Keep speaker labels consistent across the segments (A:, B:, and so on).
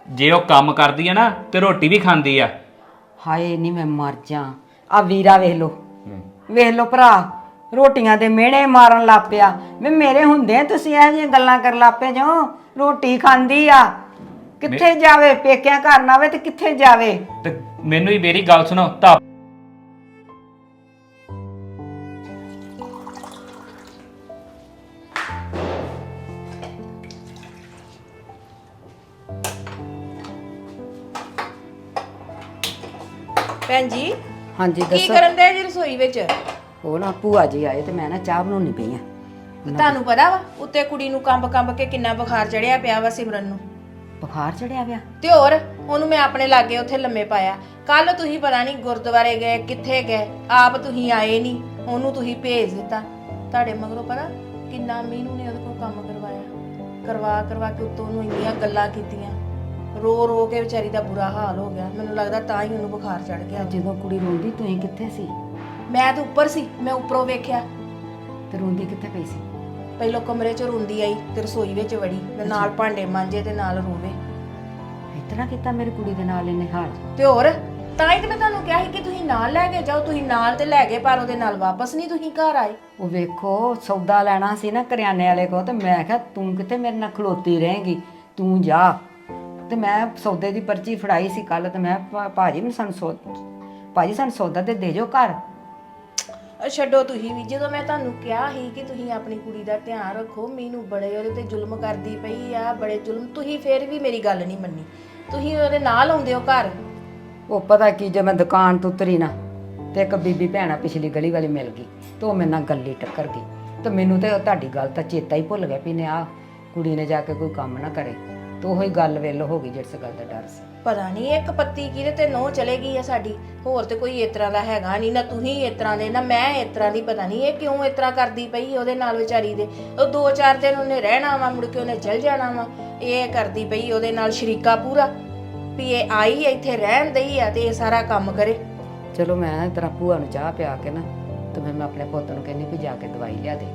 A: ਜੇ ਉਹ ਕੰਮ ਕਰਦੀ ਆ ਨਾ ਤੇ ਰੋਟੀ ਵੀ ਖਾਂਦੀ ਆ।
B: ਹਾਏ ਨਹੀਂ ਮੈਂ ਮਰ ਜਾ। ਆ ਵੀਰਾ ਵੇਖ ਲੋ ਭਰਾ, ਰੋਟੀਆਂ ਦੇ ਮਿਹਣੇ ਮਾਰਨ ਲੱਗ ਪਿਆ। ਮੈਂ ਮੇਰੇ ਹੁੰਦੇ ਤੁਸੀਂ ਇਹੋ ਜਿਹੀਆਂ ਗੱਲਾਂ ਕਰਨ ਲੱਗ ਪਏ ਜੋ। ਰੋਟੀ ਖਾਂਦੀ ਆ, ਕਿੱਥੇ ਜਾਵੇ? ਪੇਕਿਆਂ ਘਰ ਨਾ ਆਵੇ ਤੇ ਕਿੱਥੇ ਜਾਵੇ?
A: ਤੇ ਮੈਨੂੰ ਹੀ ਮੇਰੀ ਗੱਲ ਸੁਣੋ ਤਾਂ
C: ਭੈਣ ਜੀ
B: ਹਾਂਜੀ
C: ਕੀ
B: ਦੱਸੋ।
C: ਕਰਨ ਦੇ ਜੀ ਰਸੋਈ ਵਿੱਚ?
B: ਉਹ ਨਾ ਭੂਆ ਜੀ ਆਏ ਤੇ ਮੈਂ ਨਾ ਚਾਹ ਬਣਾਉਣੀ ਪਈ ਆ।
C: ਤੁਹਾਨੂੰ ਪਤਾ ਵਾ ਉੱਤੇ ਕੁੜੀ ਨੂੰ ਕੰਬ ਕੇ ਕਿੰਨਾ ਬੁਖਾਰ ਚੜਿਆ ਪਿਆ ਵਾ ਸਿਮਰਨ ਨੂੰ।
B: ਬੁਖਾਰ ਚੜਿਆ ਪਿਆ?
C: ਤੇ ਹੋਰ ਉਹਨੂੰ ਮੈਂ ਆਪਣੇ ਲਾਗੇ ਉੱਥੇ ਲੰਮੇ ਪਾਇਆ। ਕੱਲ ਤੁਸੀਂ ਪਤਾ ਨਹੀਂ ਗੁਰਦੁਆਰੇ ਗਏ ਕਿੱਥੇ ਗਏ, ਆਪ ਤੁਸੀਂ ਆਏ ਨਹੀਂ, ਉਹਨੂੰ ਤੁਸੀਂ ਭੇਜ ਦਿੱਤਾ। ਤੁਹਾਡੇ ਮਗਰੋਂ ਪਤਾ ਕਿੰਨਾ ਮੀਨੂ ਨੇ ਉਹਦੇ ਕੋਲ ਕੰਮ ਕਰਵਾ ਕੇ ਉੱਤੋਂ ਉਹਨੂੰ ਇੰਨੀਆਂ ਗੱਲਾਂ ਕੀਤੀਆਂ। ਰੋ ਕੇ ਵਿਚਾਰੀ ਦਾ ਬੁਰਾ ਹਾਲ ਹੋ ਗਿਆ। ਮੈਨੂੰ ਲੱਗਦਾ ਤਾਂ ਹੀ ਉਹਨੂੰ ਬੁਖਾਰ ਚੜ ਗਿਆ।
B: ਜਦੋਂ ਕੁੜੀ ਰੋਂਦੀ ਤੁਸੀਂ ਕਿੱਥੇ ਸੀ?
C: ਮੈਂ ਤਾਂ ਉੱਪਰ ਸੀ, ਮੈਂ ਉੱਪਰੋਂ ਵੇਖਿਆ।
B: ਤੇ ਰੋਂਦੀ ਕਿੱਥੇ ਪਈ ਸੀ?
C: ਪਹਿਲੋਂ ਕਮਰੇ 'ਚ ਰੋਂਦੀ ਆਈ ਤੇ ਰਸੋਈ ਵਿੱਚ ਵੜੀ ਤੇ ਨਾਲ ਭਾਂਡੇ ਮਾਂਜੇ ਤੇ ਨਾਲ ਰੋਵੇ।
B: ਇਤਨਾ ਕੀਤਾ ਮੇਰੀ ਕੁੜੀ ਦੇ ਨਾਲ ਇਹਨੇ ਹਾਲ?
C: ਤੇ ਹੋਰ ਤਾਂ ਹੀ ਤੇ ਮੈਂ ਤੁਹਾਨੂੰ ਕਿਹਾ ਸੀ ਕਿ ਤੁਸੀਂ ਨਾਲ ਲੈ ਕੇ ਜਾਓ। ਤੁਸੀਂ ਨਾਲ ਤੇ ਲੈ ਗਏ ਪਰ ਉਹਦੇ ਨਾਲ ਵਾਪਸ ਨਹੀਂ ਤੁਸੀਂ ਘਰ ਆਏ।
B: ਉਹ ਵੇਖੋ ਸੌਦਾ ਲੈਣਾ ਸੀ ਨਾ ਕਰਿਆਨੇ ਵਾਲੇ ਕੋਲ ਤੇ ਮੈਂ ਕਿਹਾ ਤੂੰ ਕਿਤੇ ਮੇਰੇ ਨਾਲ ਖਲੋਤੀ ਰਹੇਂਗੀ, ਤੂੰ ਜਾ। ਤੇ ਮੈਂ ਸੌਦੇ ਦੀ ਪਰਚੀ ਫੜਾਈ ਸੀ ਕੱਲ ਤੇ ਮੈਂ ਭਾਜੀ ਸਾਨੂੰ ਸੌਦਾ ਤੇ ਦੇ ਜਾਓ ਘਰ।
C: ਛੱਡੋ ਤੁਸੀਂ ਵੀ, ਜਦੋਂ ਮੈਂ ਤੁਹਾਨੂੰ ਕਿਹਾ ਸੀ ਕਿ ਤੁਸੀਂ ਆਪਣੀ ਕੁੜੀ ਦਾ ਧਿਆਨ ਰੱਖੋ, ਮੈਨੂੰ ਬੜੇ ਉਹਦੇ ਤੇ ਜ਼ੁਲਮ ਕਰਦੀ ਪਈ ਆ, ਬੜੇ ਜ਼ੁਲਮ, ਤੁਸੀਂ ਫੇਰ ਵੀ ਮੇਰੀ ਗੱਲ ਨਹੀਂ ਮੰਨੀ। ਤੁਸੀਂ ਉਹਦੇ ਨਾਲ ਆਉਂਦੇ ਹੋ ਘਰ।
B: ਉਹ ਪਤਾ ਕੀ, ਜੇ ਮੈਂ ਦੁਕਾਨ ਤੋਂ ਉਤਰੀ ਨਾ ਤੇ ਇੱਕ ਬੀਬੀ ਭੈਣਾ ਪਿਛਲੀ ਗਲੀ ਵਾਲੀ ਮਿਲ ਗਈ ਤੇ ਉਹ ਮੇਰੇ ਨਾਲ ਗੱਲੀ ਟੱਕਰ ਗਈ ਤੇ ਮੈਨੂੰ ਤੇ ਤੁਹਾਡੀ ਗੱਲ ਤਾਂ ਚੇਤਾ ਹੀ ਭੁੱਲ ਗਿਆ ਵੀ ਨੇ ਆ ਕੁੜੀ ਨੇ ਜਾ ਕੇ ਕੋਈ ਕੰਮ ਨਾ ਕਰੇ। ਤੇ ਉਹੀ ਗੱਲ ਵੇਲ ਹੋ ਗਈ ਜਿਸ ਗੱਲ ਦਾ ਡਰ ਸੀ।
C: ਪਤਾ ਨਹੀਂ ਇੱਕ ਪੱਤੀ ਕਿਹਦੇ ਤੇ ਨਹੁੰ ਚਲੇਗੀ ਆ ਸਾਡੀ। ਹੋਰ ਤੇ ਕੋਈ ਇਸ ਤਰ੍ਹਾਂ ਦਾ ਹੈਗਾ ਨਹੀਂ, ਨਾ ਤੁਸੀਂ ਇਸ ਤਰ੍ਹਾਂ ਦੇ ਨਾ ਮੈਂ ਇਸ ਤਰ੍ਹਾਂ ਦੀ। ਪਤਾ ਨਹੀਂ ਇਹ ਕਿਉਂ ਇਸ ਤਰ੍ਹਾਂ ਕਰਦੀ ਪਈ ਉਹਦੇ ਨਾਲ ਵਿਚਾਰੀ ਦੇ। ਉਹ 2-4 ਦਿਨ ਉਹਨੇ ਰਹਿਣਾ ਵਾ, ਮੁੜ ਕੇ ਉਹਨੇ ਚਲ ਜਾਣਾ ਵਾ। ਇਹ ਕਰਦੀ ਪਈ ਉਹਦੇ ਨਾਲ ਸ਼ਰੀਕਾ ਪੂਰਾ ਵੀ ਇਹ ਆਈ ਇੱਥੇ ਰਹਿਣ ਦਈ ਆ ਤੇ ਇਹ ਸਾਰਾ ਕੰਮ ਕਰੇ।
B: ਚਲੋ ਮੈਂ ਤੇਰਾ ਭੂਆ ਨੂੰ ਚਾਹ ਪਿਆ ਕੇ ਨਾ ਤੇ ਫਿਰ ਮੈਂ ਆਪਣੇ ਪੁੱਤ ਨੂੰ ਕਹਿੰਦੀ ਵੀ ਜਾ ਕੇ ਦਵਾਈ ਲਿਆ ਦੇ।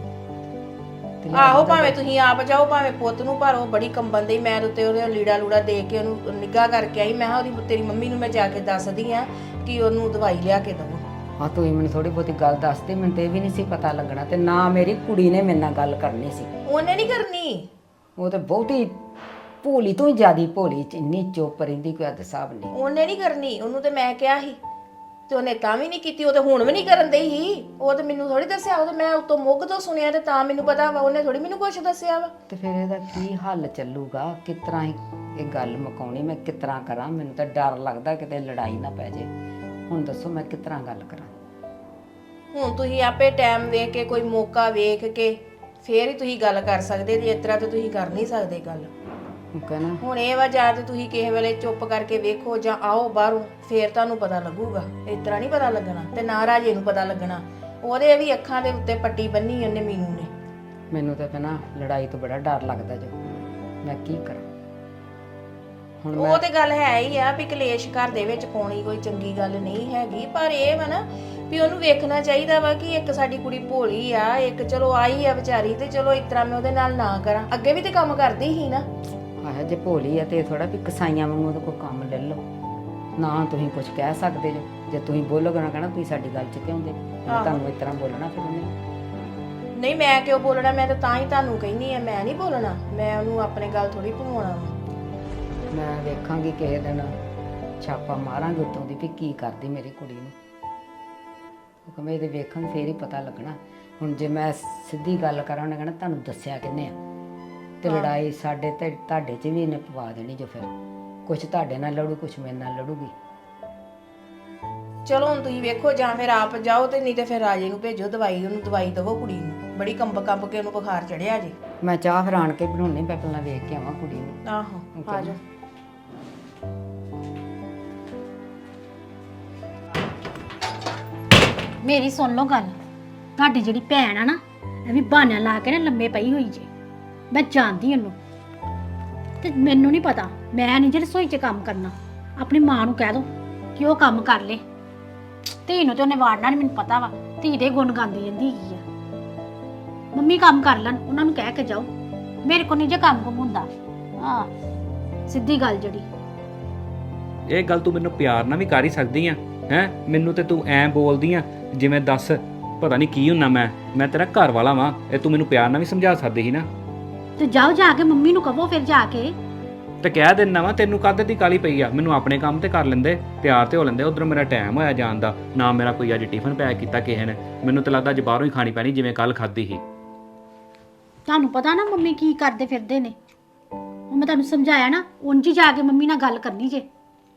C: ਆਹੋ ਭਾਵੇਂ ਤੁਸੀਂ ਆਪ ਜਾਓ ਭਾਵੇਂ ਪੁੱਤ ਨੂੰ, ਪਰ ਉਹ ਬੜੀ ਕੰਬਣ ਦੀ। ਮੈਂ ਉੱਤੇ ਉਹਦੇ ਲੀੜਾ ਲੂੜਾ ਦੇ ਕੇ ਉਹਨੂੰ ਨਿੱਘਾ ਕਰਕੇ ਆਈ। ਮੈਂ ਉਹਦੀ ਤੇਰੀ ਮੰਮੀ ਨੂੰ ਮੈਂ ਜਾ ਕੇ ਦੱਸਦੀ ਆ ਕਿ ਉਹਨੂੰ ਦਵਾਈ ਲਿਆ ਕੇ ਦਵੋ।
B: ਹਾਂ ਤੂੰ ਮੈਨੂੰ ਥੋੜੀ ਬਹੁਤੀ ਗੱਲ ਦੱਸਦੀ, ਮੈਨੂੰ ਤੇ ਇਹ ਵੀ ਨਹੀਂ ਸੀ ਪਤਾ ਲੱਗਣਾ ਤੇ ਨਾ ਮੇਰੀ ਕੁੜੀ ਨੇ ਮੇਰੇ ਨਾਲ ਗੱਲ ਕਰਨੀ ਸੀ।
C: ਉਹਨੇ ਨਹੀਂ ਕਰਨੀ।
B: ਉਹ ਤੇ ਬਹੁਤੀ ਭੋਲੀ ਤੋਂ ਹੀ ਜ਼ਿਆਦੀ ਭੋਲੀ, ਇੰਨੀ ਚੁੱਪ ਰਹਿੰਦੀ ਕੋਈ ਹੱਦ ਹਿਸਾਬ ਨਹੀਂ।
C: ਉਹਨੇ ਨਹੀਂ ਕਰਨੀ, ਉਹਨੂੰ ਤੇ ਮੈਂ ਕਿਹਾ ਸੀ ਤੇ ਉਹਨੇ ਤਾਂ ਵੀ ਨਹੀਂ ਕੀਤੀ। ਉਹ ਤੇ ਹੁਣ ਵੀ ਨਹੀਂ ਕਰਨ ਦਈ ਸੀ। ਉਹ ਤੇ ਮੈਨੂੰ ਥੋੜੀ ਦੱਸਿਆ, ਉਹ ਤੇ ਮੈਂ ਉਤੋਂ ਮੁੱਗ ਤੋਂ ਸੁਣਿਆ ਤੇ ਤਾਂ ਮੈਨੂੰ ਪਤਾ ਵਾ। ਉਹਨੇ ਥੋੜੀ ਮੈਨੂੰ ਕੁਛ ਦੱਸਿਆ ਵਾ।
B: ਤੇ ਫਿਰ ਇਹਦਾ ਕੀ ਹੱਲ ਚੱਲੂਗਾ? ਕਿਸ ਤਰ੍ਹਾਂ ਇਹ ਗੱਲ ਮੁਕਾਉਣੀ? ਮੈਂ ਕਿਸ ਤਰ੍ਹਾਂ ਕਰਾਂ? ਮੈਨੂੰ ਤਾਂ ਡਰ ਲੱਗਦਾ ਕਿਤੇ ਲੜਾਈ ਨਾ ਪੈ ਜੇ। ਹੁਣ ਦੱਸੋ ਮੈਂ ਕਿਸ ਤਰ੍ਹਾਂ ਗੱਲ ਕਰਾਂ?
C: ਹੁਣ ਤੁਸੀਂ ਆਪੇ ਟਾਈਮ ਵੇਖ ਕੇ, ਕੋਈ ਮੌਕਾ ਵੇਖ ਕੇ ਫੇਰ ਹੀ ਤੁਸੀਂ ਗੱਲ ਕਰ ਸਕਦੇ ਜੇ। ਇਸ ਤਰ੍ਹਾਂ ਤੇ ਤੁਸੀਂ ਕਰ ਨਹੀਂ ਸਕਦੇ ਗੱਲ।
B: ਕਹਿਣਾ
C: ਹੁਣ ਇਹ ਵਾ ਜਾਂ ਤੇ ਤੁਸੀਂ ਕਿਸੇ ਵੇਲੇ ਚੁੱਪ ਕਰਕੇ ਵੇਖੋ ਜਾਂ ਆਓ ਬਾਹਰੋਂ, ਫੇਰ ਤੁਹਾਨੂੰ ਪਤਾ ਲੱਗੂਗਾ। ਇਸ ਤਰ੍ਹਾਂ ਨਹੀਂ ਪਤਾ ਲੱਗਣਾ ਤੇ ਨਾ ਰਾਜੇ ਨੂੰ ਪਤਾ ਲੱਗਣਾ। ਉਹਦੇ ਵੀ ਅੱਖਾਂ ਦੇ ਉੱਤੇ ਪੱਟੀ ਬੰਨੀ ਉਹਨੇ ਮੀਨੂ ਨੇ।
B: ਮੈਨੂੰ ਤਾਂ ਕਹਿਣਾ ਲੜਾਈ ਤੋਂ ਬੜਾ ਡਰ ਲੱਗਦਾ ਜੋ। ਮੈਂ ਕੀ ਕਰਾਂ ਹੁਣ?
C: ਉਹ ਤੇ ਗੱਲ ਹੈ ਹੀ ਆ ਵੀ ਕਲੇਸ਼ ਘਰ ਦੇ ਵਿੱਚ ਪਾਉਣੀ ਕੋਈ ਚੰਗੀ ਗੱਲ ਨਹੀਂ ਹੈਗੀ, ਪਰ ਇਹ ਵਾ ਨਾ ਵੀ ਉਹਨੂੰ ਵੇਖਣਾ ਚਾਹੀਦਾ ਵਾ ਕਿ ਇੱਕ ਸਾਡੀ ਕੁੜੀ ਭੋਲੀ ਆ, ਇੱਕ ਚਲੋ ਆਈ ਆ ਵਿਚਾਰੀ ਤੇ ਚਲੋ ਇਸ ਤਰ੍ਹਾਂ ਮੈਂ ਉਹਦੇ ਨਾਲ ਨਾ ਕਰਾਂ। ਅੱਗੇ ਵੀ ਤੇ ਕੰਮ ਕਰਦੀ ਸੀ ਨਾ।
B: ਆਹ ਜੇ ਭੋਲੀ ਆ ਤੇ ਥੋੜਾ ਵੀ ਕਸਾਈਆਂ ਵਾਂਗੂ ਉਹਦੇ ਕੋਲ ਕੰਮ ਲੈ ਲਓ ਨਾ। ਤੁਸੀਂ ਕੁਝ ਕਹਿ ਸਕਦੇ ਜੋ? ਜੇ ਤੁਸੀਂ ਬੋਲੋਗੇ ਨਾ ਕਹਿਣਾ ਤੁਸੀਂ ਸਾਡੀ ਗੱਲ 'ਚ ਕਿਉਂ ਦੇ? ਤੁਹਾਨੂੰ ਇਸ ਤਰ੍ਹਾਂ ਬੋਲਣਾ ਫਿਰ ਉਹਨੇ।
C: ਨਹੀਂ ਮੈਂ ਕਿਉਂ ਬੋਲਣਾ? ਮੈਂ ਤਾਂ ਹੀ ਤੁਹਾਨੂੰ ਕਹਿੰਦੀ ਆ, ਮੈਂ ਨਹੀਂ ਬੋਲਣਾ। ਮੈਂ ਉਹਨੂੰ ਆਪਣੇ ਗੱਲ ਥੋੜੀ ਭਵਾਉਣਾ ਵਾ।
B: ਮੈਂ ਵੇਖਾਂਗੀ ਕਿਸੇ ਦਿਨ, ਛਾਪਾ ਮਾਰਾਂਗੇ ਉੱਤੋਂ ਦੀ ਵੀ ਕੀ ਕਰਦੀ ਮੇਰੀ ਕੁੜੀ ਨੂੰ। ਕਿਉਂਕਿ ਮੈਂ ਇਹਦੇ ਵੇਖਣ ਫੇਰ ਹੀ ਪਤਾ ਲੱਗਣਾ। ਹੁਣ ਜੇ ਮੈਂ ਸਿੱਧੀ ਗੱਲ ਕਰਾਂ ਉਹਨੇ ਕਹਿਣਾ ਤੁਹਾਨੂੰ ਦੱਸਿਆ ਕਿੰਨੇ ਆ ਤੇ ਲੜਾਈ ਸਾਡੇ ਤੇ ਤੁਹਾਡੇ 'ਚ ਵੀ ਇਹਨੇ ਪਵਾ ਦੇਣੀ ਜੋ। ਫਿਰ ਕੁਛ ਤੁਹਾਡੇ ਨਾਲ ਲੜੂ, ਕੁਛ ਮੇਰੇ ਨਾਲ ਲੜੂਗੀ।
C: ਚਲੋ ਹੁਣ ਤੁਸੀਂ ਵੇਖੋ, ਜਾਂ ਫਿਰ ਆਪ ਜਾਓ ਤੇ ਨਹੀਂ ਤੇ ਫਿਰ ਰਾਜੇ ਨੂੰ ਭੇਜੋ ਦਵਾਈ। ਉਹਨੂੰ ਦਵਾਈ ਦਵੋ ਕੁੜੀ ਨੂੰ, ਬੜੀ ਕੰਬ ਕੇ ਉਹਨੂੰ ਬੁਖਾਰ ਚੜਿਆ ਜੇ।
B: ਮੈਂ ਚਾਹ ਫਿਰ ਆਣ ਕੇ ਬਣਾਉਣੀ, ਮੈਂ ਪਹਿਲਾਂ ਵੇਖ ਕੇ ਆਵਾਂ ਕੁੜੀ ਨੂੰ।
C: ਆਹੋ ਆ ਜਾ।
D: ਮੇਰੀ ਸੁਣ ਲਓ ਗੱਲ। ਤੁਹਾਡੀ ਜਿਹੜੀ ਭੈਣ ਆ ਨਾ, ਇਹ ਵੀ ਬਹਾਨਾ ਲਾ ਕੇ ਨਾ ਲੰਮੇ ਪਈ ਹੋਈ ਜੇ। ਮੈਂ ਜਾਣਦੀ ਉਹਨੂੰ ਤੇ ਮੈਨੂੰ ਨਹੀਂ ਪਤਾ। ਮੈਂ ਨਹੀਂ ਜੇ ਰਸੋਈ 'ਚ ਕੰਮ ਕਰਨਾ। ਆਪਣੀ ਮਾਂ ਨੂੰ ਕਹਿ ਦੋ ਕਿ ਉਹ ਕੰਮ ਕਰ ਲੇ। ਧੀ ਨੂੰ ਤੇ ਉਹਨੇ ਵਾੜਨਾ ਨਹੀਂ, ਮੈਨੂੰ ਪਤਾ ਵਾ। ਧੀ ਦੇ ਗੁਣ ਗਾਉਂਦੀ ਰਹਿੰਦੀ ਹੈਗੀ ਆ। ਮੰਮੀ ਕੰਮ ਕਰ ਲੈਣ, ਉਹਨਾਂ ਨੂੰ ਕਹਿ ਕੇ ਜਾਓ। ਮੇਰੇ ਕੋਲ ਨਹੀਂ ਜੇ ਕੰਮ ਹੁੰਦਾ। ਸਿੱਧੀ ਗੱਲ ਜਿਹੜੀ
A: ਇਹ ਗੱਲ ਤੂੰ ਮੈਨੂੰ ਪਿਆਰ ਨਾਲ ਵੀ ਕਰ ਹੀ ਸਕਦੀ ਆ ਹੈ। ਮੈਨੂੰ ਤੇ ਤੂੰ ਐਂ ਬੋਲਦੀ ਆ ਜਿਵੇਂ ਦੱਸ ਪਤਾ ਨਹੀਂ ਕੀ ਹੁੰਨਾ ਮੈਂ ਤੇਰਾ ਘਰ ਵਾਲਾ ਵਾਂ। ਇਹ ਤੂੰ ਮੈਨੂੰ ਪਿਆਰ ਨਾਲ ਵੀ ਸਮਝਾ ਸਕਦੀ ਸੀ ਨਾ।
D: ਤੇ ਜਾਓ ਜਾ ਕੇ ਮੰਮੀ ਨੂੰ ਕਹੋ ਫਿਰ ਜਾ ਕੇ।
A: ਤੇ ਕਹਿ ਦਿੰਦਾ ਵਾ ਤੈਨੂੰ ਕਾਹਦੇ ਦੀ ਕਾਲੀ ਪਈ ਆ। ਮੈਨੂੰ ਆਪਣੇ ਕੰਮ ਤੇ ਕਰ ਲੈਂਦੇ, ਤਿਆਰ ਤੇ ਹੋ ਲੈਂਦੇ। ਉਧਰ ਮੇਰਾ ਟਾਈਮ ਹੋਇਆ ਜਾਣ ਦਾ, ਨਾ ਮੇਰਾ ਕੋਈ ਅੱਜ ਟਿਫਨ ਪੈਕ ਕੀਤਾ ਕਿਸੇ ਨੇ। ਮੈਨੂੰ ਤਾਂ ਲੱਗਦਾ ਅੱਜ ਬਾਹਰੋਂ ਹੀ ਖਾਣੀ ਪੈਣੀ ਜਿਵੇਂ ਕੱਲ ਖਾਧੀ ਸੀ।
D: ਤੁਹਾਨੂੰ ਪਤਾ ਨਾ ਮੰਮੀ ਕੀ ਕਰਦੇ ਫਿਰਦੇ ਨੇ। ਉਹ ਮੈਂ ਤੁਹਾਨੂੰ ਸਮਝਾਇਆ ਨਾ, ਉਂਝ ਹੀ ਜਾ ਕੇ ਮੰਮੀ ਨਾਲ ਗੱਲ ਕਰਨੀ ਜੇ।